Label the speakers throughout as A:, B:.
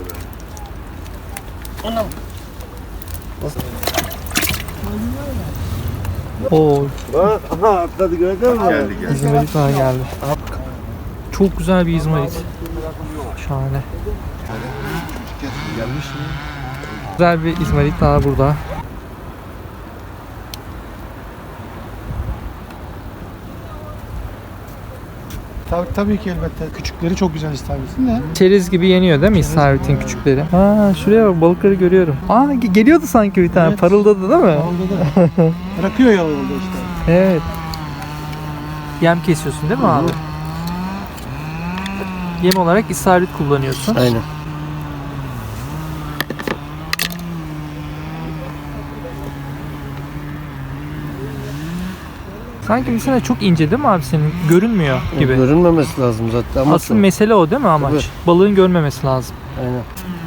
A: Anam.
B: Oo,
A: Bak, aha atladı gördün mü? Geldi.
B: İzmarit daha geldi. Çok güzel bir izmarit. Şahane.
A: Gelmiş mi?
B: Güzel bir izmarit daha burada.
C: Tabii ki elbette. Küçükleri çok güzel istavritin de.
B: Çerez gibi yeniyor değil mi istavritin küçükleri? Ha, şuraya bak, balıkları görüyorum. Aa, geliyordu sanki bir tane.
C: Evet.
B: Parıldadı değil mi?
C: Orada da bırakıyor ya orada işte.
B: Evet. Yem kesiyorsun değil mi abi? Yem olarak istavrit kullanıyorsun.
A: Aynen.
B: Sanki mesela çok ince değil mi abi senin? Görünmüyor gibi.
A: Görünmemesi lazım zaten. Ama
B: Asıl mesele o değil mi amaç?
A: Tabii.
B: Balığın görmemesi lazım.
A: Aynen.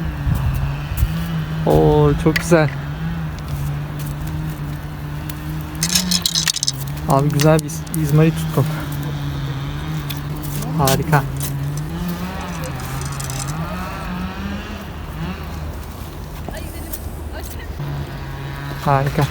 B: Oo, çok güzel. Abi güzel bir izmarit tuttum. Harika. Harika.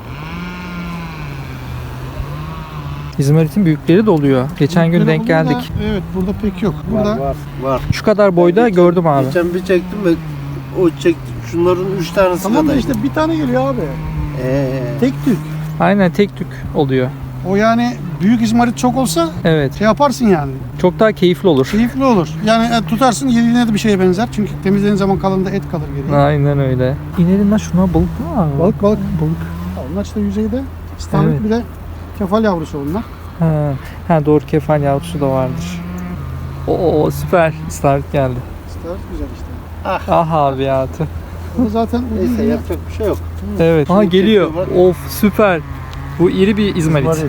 B: İzmarit'in büyükleri de oluyor. Geçen gün denk
C: Burada-
B: geldik.
C: Evet, burada pek yok.
A: Var
C: Burada
A: var.
B: Şu kadar boyda gördüm abi.
A: Geçen bir çektim ve o çekti. Şunların 3 tanesi
C: tamam da
A: kadar.
C: işte bir tane geliyor abi. Tek tük.
B: Aynen, tek tük oluyor.
C: O yani büyük izmarit çok olsa
B: Evet.
C: şey yaparsın yani.
B: Çok daha keyifli olur.
C: Keyifli olur. Yani tutarsın yediğine de bir şeye benzer. Çünkü temizlediğin zaman kalanında et kalır geriye.
B: Aynen öyle. İnelim lan şuna, balık mı var?
C: Balık.
B: Balık.
C: Onlar işte yüzeyde. İstavrit
B: Evet.
C: bir de kefal yavrusu onlar.
B: Ha, doğru, kefal yavrusu da vardır. Oo, süper. İstavrit geldi.
C: İstavrit güzel işte.
B: Ah abi ya. tüh.
C: Bu zaten
A: Neyse yapacak bir şey yok.
B: Evet. Ha,
A: Şimdi
B: geliyor.
A: çekiyorlar.
B: Of, süper. Bu iri bir izmarit.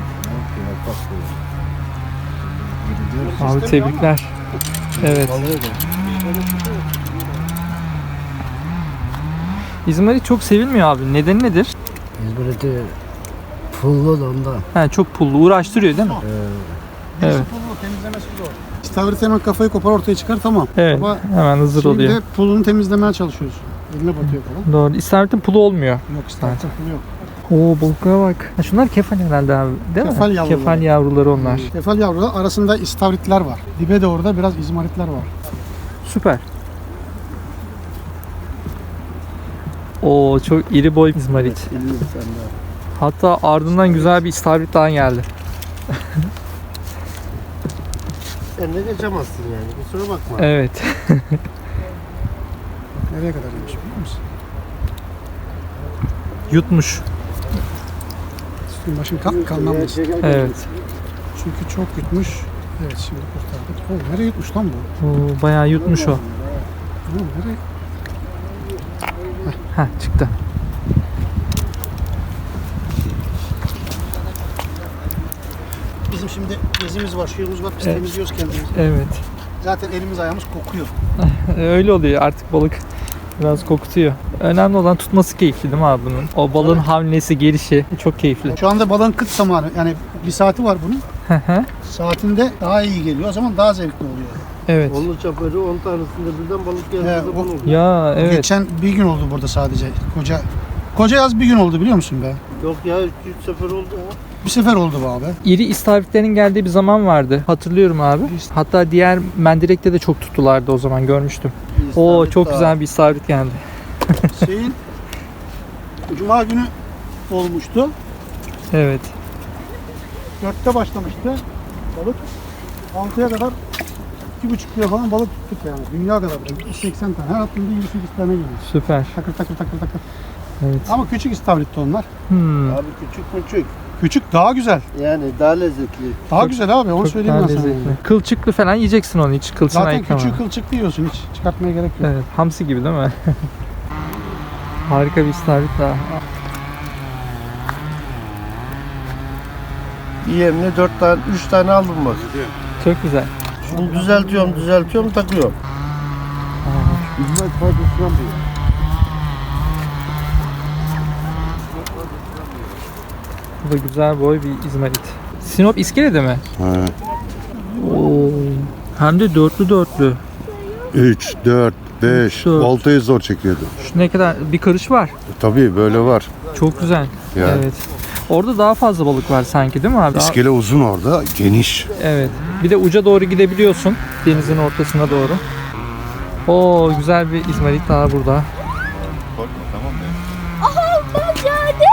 B: Abi tebrikler. Evet. İzmarit çok sevilmiyor abi. Nedeni nedir?
D: İzmir'de pullu da ondan.
B: Ha, çok pullu. Uğraştırıyor değil mi? Evet.
C: temizlemesi zor. İstavrit hemen kafayı kopar ortaya çıkar tamam.
B: Evet.
C: Ama
B: Hemen hazır oluyor.
C: şeyde pulunu temizlemeye çalışıyorsun. Eline batıyor falan.
B: Doğru. İstavrit'in pulu olmuyor.
C: Yok istavritin pulu yok.
B: Oo, balıklara bak. Ha, şunlar kefal herhalde abi. Değil
C: Kefal
B: mi?
C: yavruları.
B: Kefal yavruları onlar.
C: Kefal yavruları arasında istavritler var. Dibe de orada biraz izmaritler var.
B: Süper. Oo, çok iri boy izmarit. Hatta ardından güzel bir istavrit daha geldi.
A: Ne geçemezsin yani. Kusura bakma.
B: Evet.
C: Nereye kadar yemiş biliyor musun?
B: Yutmuş.
C: Üstün başın kalmamış.
B: Evet.
C: Çünkü çok yutmuş. Evet şimdi kurtardık. O nereye yutmuş lan bu?
B: Oo, bayağı yutmuş o.
C: Tamam, nereye?
B: Heh, çıktı.
C: Bizim şimdi gezimiz var, şeyimiz var. Biz
B: Evet.
C: temizliyoruz kendimizi.
B: Evet.
C: Zaten elimiz ayağımız kokuyor.
B: Öyle oluyor artık, balık biraz kokutuyor. Önemli olan tutması keyifli değil mi abi bunun? O balığın hamlesi, gelişi çok keyifli.
C: Şu anda balığın kıt zamanı. Yani bir saati var bunun.
B: Hı hı.
C: Saatinde daha iyi geliyor. O zaman daha zevkli oluyor.
B: Evet.
A: Onlu çaparı 10 tanesinde birden balık
C: He,
A: geldi.
C: o-
A: Bunu.
B: Ya evet.
C: Geçen bir gün oldu burada sadece. Koca yaz bir gün oldu biliyor musun be?
A: Yok ya 3 sefer oldu ya.
C: Bir sefer oldu bu abi.
B: İri istavritlerin geldiği bir zaman vardı. Hatırlıyorum abi. Hatta diğer mendirekte de çok tuttulardı o zaman, görmüştüm. Oo,
A: İstavrit
B: çok
A: daha.
B: güzel bir istavrit geldi.
C: Şeyin Cuma günü olmuştu.
B: Evet.
C: 4'te başlamıştı balık. 6'ya kadar 2,5 kilo falan balık tuttuk yani. Dünya kadar. 80 tane. Her attığımda 28 tane geliyor.
B: Süper.
C: Takır takır takır takır.
B: Evet.
C: Ama küçük istavritti onlar.
B: Hmm.
A: Abi küçük.
C: Küçük daha güzel.
A: Yani daha lezzetli.
C: Daha
B: Çok-
C: güzel abi. Onu
B: Çok
C: söyleyeyim
B: daha
C: ben sana.
B: lezzetli. Kılçıklı falan yiyeceksin onu, hiç kılçığını
C: Zaten
B: ayıklama.
C: küçüğü kılçıklı yiyorsun. Hiç çıkartmaya gerek yok.
B: Evet, hamsi gibi değil mi? Harika bir istavrit daha.
A: Yemle 4 tane 3 tane aldım bak.
B: Çok güzel.
A: Şunu düzeltiyorum takıyorum. Bilmez faydasından bir.
B: Bu da güzel boy bir izmarit. Sinop İskele'de mi?
E: Ha.
B: Oo. Hem de dörtlü.
E: 3, 4, 5.
B: Dört.
E: Oltayı zor çekiyordu.
B: Şu ne kadar bir karış var.
E: Tabii böyle var.
B: Çok güzel.
E: Ya.
B: Evet. Orada daha fazla balık var sanki değil mi abi?
E: İskele uzun orada, geniş.
B: Evet. Bir de uca doğru gidebiliyorsun. Denizin ortasına doğru. Oo, güzel bir izmarit daha burada.
F: Bak geldi.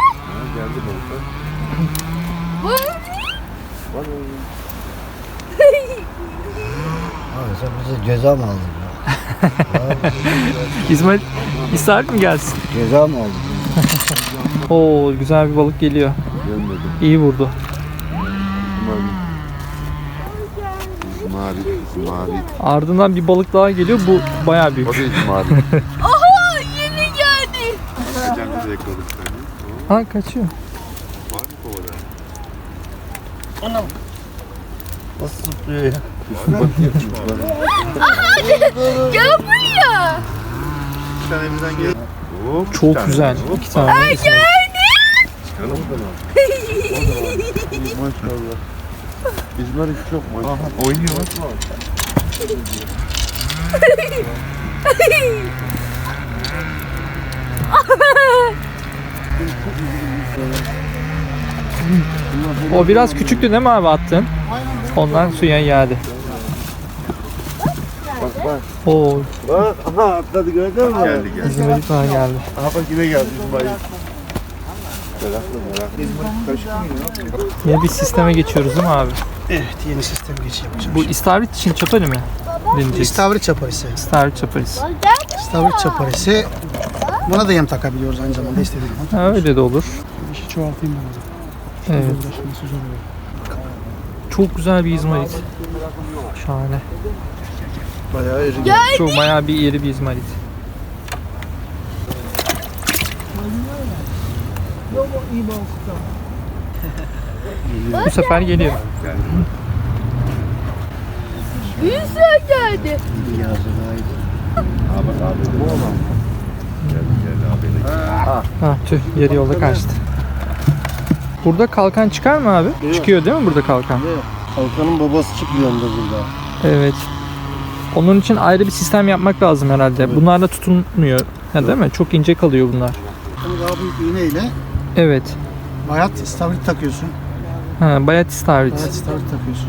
D: Abi sen bize ceza mı aldın ya?
B: İzmarit İsrail mi gelsin?
D: Ceza mı aldın?
B: Oo, güzel bir balık geliyor. İyi vurdu.
E: Mavi.
B: Ardından bir balık daha geliyor. Bu bayağı büyük.
E: O da mavi.
F: Aha yeni geldi.
E: Kendimize yakaladık seni.
B: Ha, kaçıyor.
E: Var mı kovada?
A: Anam. Nasıl zıplıyor ya?
F: Gel buraya.
E: Bir tane bizden gel. Hop,
B: Çok
E: bir tane.
B: güzel.
E: Hop,
B: 2 tane. İsmarit.
E: çıkalım. Maşallah. İzmarit çok maşallah. Oynuyor bak.
B: O biraz küçüktü değil mi abi attın? Ondan suya geldi.
A: Bak bak.
B: Oo,
A: Bak aha atladı gördün mü?
E: Geldi geldi.
B: İzmarit daha geldi.
A: Aha bak yine geldi İsmail.
B: Yeni bir sisteme geçiyoruz değil mi abi?
C: Evet, yeni sistem geçiyor.
B: Bu istavrit için çapali mi? Deneyeceksin.
C: İstavrit çaparisi.
B: İstavrit çaparisi.
C: İstavrit çaparisi. Buna da yem takabiliyoruz aynı zamanda istediğim zaman.
B: Ha, öyle de olur.
C: İşi çoğaltayım ben onu.
B: Evet.
C: Uğraşması zor oluyor.
B: Çok güzel bir izmarit. Şahane.
A: Bayağı iri.
B: Çok bayağı bir iri bir izmarit. Bu sefer geliyor.
F: Yüzüğe geldi.
B: Ha, tüh, yarı yolda kaçtı. Burada kalkan çıkar mı abi? Çıkıyor değil mi burada kalkan?
A: Kalkanın babası çıkıyor onda burada.
B: Evet. Onun için ayrı bir sistem yapmak lazım herhalde. Bunlarla tutunmuyor. Ha, değil mi? Çok ince kalıyor bunlar.
C: Bunu daha büyük iğneyle
B: Evet.
C: bayat istavrit takıyorsun.
B: Ha, bayat istavrit.
C: Bayat istavrit takıyorsun.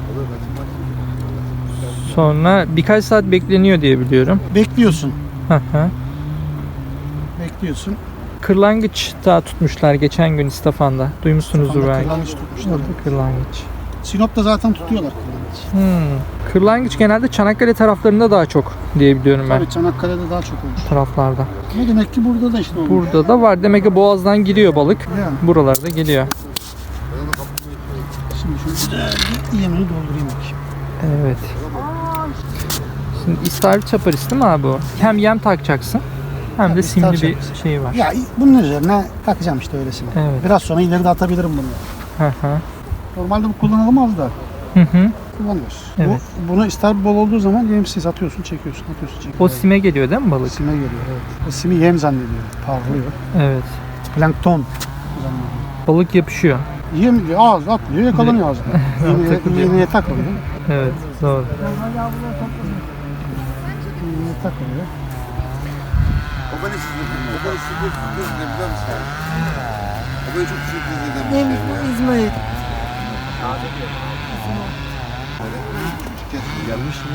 B: Sonra birkaç saat bekleniyor diye biliyorum.
C: Bekliyorsun.
B: Hı hı.
C: Bekliyorsun.
B: Kırlangıç daha tutmuşlar geçen gün İstafan'da. Duymuşsunuzdur belki.
C: Kırlangıç tutmuşlar.
B: Orada kırlangıç.
C: Sinop'ta zaten tutuyorlar kırlangıç.
B: Kırlangıç genelde Çanakkale taraflarında daha çok diye biliyorum ben.
C: Tabii Çanakkale'de daha çok olur.
B: Taraflarda.
C: Ama demek ki burada da işte olur.
B: Burada da var. Demek ki boğazdan giriyor balık.
C: Yani
B: Buralarda geliyor.
C: şimdi şu yemini doldurayım bakayım.
B: Evet. Şimdi istavrit çaparisi değil mi abi o? Hem yem takacaksın hem de
C: Tabii,
B: simli bir
C: takacaksın.
B: şey var.
C: Ya bunun üzerine takacağım işte öylesine.
B: Evet.
C: Biraz sonra ileri de atabilirim bunu.
B: Hı hı.
C: Normalde bu kullanılamaz da
B: Hı hı.
C: kullanıyoruz.
B: Evet.
C: Bunu istavrit bol olduğu zaman yemsiz atıyorsun, çekiyorsun, atıyorsun, çekiyorsun.
B: O sime geliyor değil mi balık?
C: Sime geliyor, evet. O simi yem zannediyor, parlıyor.
B: Evet.
C: Plankton zannediyor.
B: Balık yapışıyor.
C: Yem diyor, ağız atlıyor, yakalanıyor ağzına.
B: Takılıyor.
C: Yemeğe takılıyor.
B: Evet. Doğru.
C: Yemeğe takılıyor.
E: O beni sürpriz ne biliyor musun? O beni çok sürpriz eden bir şey ya.
A: İzmail.
E: Gelmiş mi?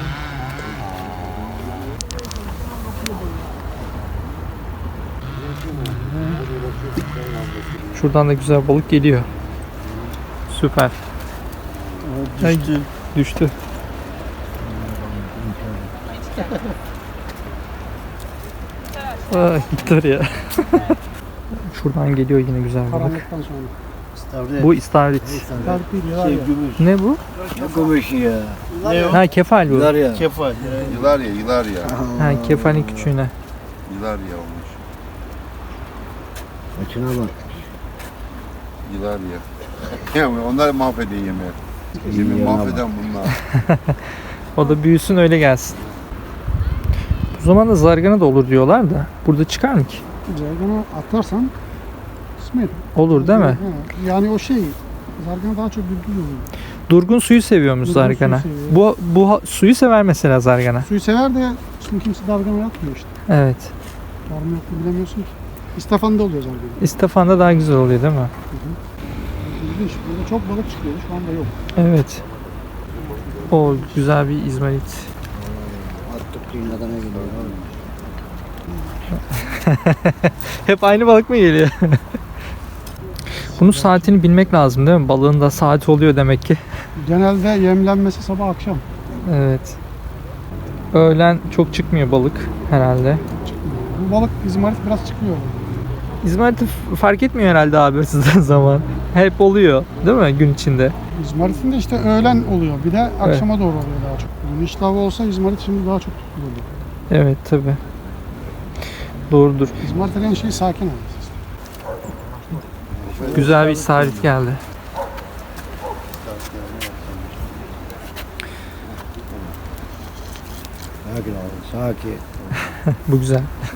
B: Şuradan da güzel balık geliyor. Süper.
A: Düştü.
B: Düştü. Gitti oraya. Şuradan geliyor yine güzel balık.
C: Karanlıktan sonra.
A: İstavrit.
B: Bu istavrit.
C: İstavrit değil, diyorlar
A: Şey
C: ya.
A: gümüş.
B: Ne bu?
A: Gümüş ya. Ne o?
B: Ha, kefal bu.
A: Yılar ya. Kefal.
E: Yılar ya.
B: Ha, kefalin küçüğüne.
E: Yılar ya olmuş.
D: Açına bak.
E: Yılar ya. Yani onlar mahvediyor yemeği. Yemeği mahveden bunlar.
B: O da büyüsün öyle gelsin. Bu zaman da zargana da olur diyorlar da. Burada çıkar mı ki?
C: Zargana atlarsan kısmet.
B: Olur değil mi?
C: Ha, yani o şey, zargana daha çok düdüğü oluyor.
B: Durgun suyu seviyormuş
C: Durgun
B: zargana.
C: suyu seviyor.
B: Bu suyu sever mesela zargana.
C: Suyu sever de şimdi kimse dalgama yapmıyor işte.
B: Evet.
C: Var mı yok mu bilemiyorsun ki. İstafanda oluyor zaten.
B: İstafanda daha güzel oluyor değil mi?
C: İlginç. Burada çok balık çıkıyordu. Şu anda yok.
B: Evet. O güzel bir izmarit.
D: Attık kıyıdan ne geliyor?
B: Hep aynı balık mı geliyor? Bunun saatini bilmek lazım değil mi? Balığın da saati oluyor demek ki.
C: Genelde yemlenmesi sabah akşam.
B: Evet. Öğlen çok çıkmıyor balık herhalde.
C: Bu balık izmarit biraz çıkıyor.
B: İzmariti fark etmiyor herhalde abi hırsızlığı zaman. Hep oluyor değil mi gün içinde?
C: İzmarit'in de işte öğlen oluyor. Bir de akşama doğru oluyor daha çok. Gün iştahı olsa İzmarit şimdi daha çok tutuluyor.
B: Evet tabi. Doğrudur.
C: İzmarit denen şey sakin abi.
B: Güzel bir isaret geldi.
D: Sakin abi, sakin.
B: Bu güzel.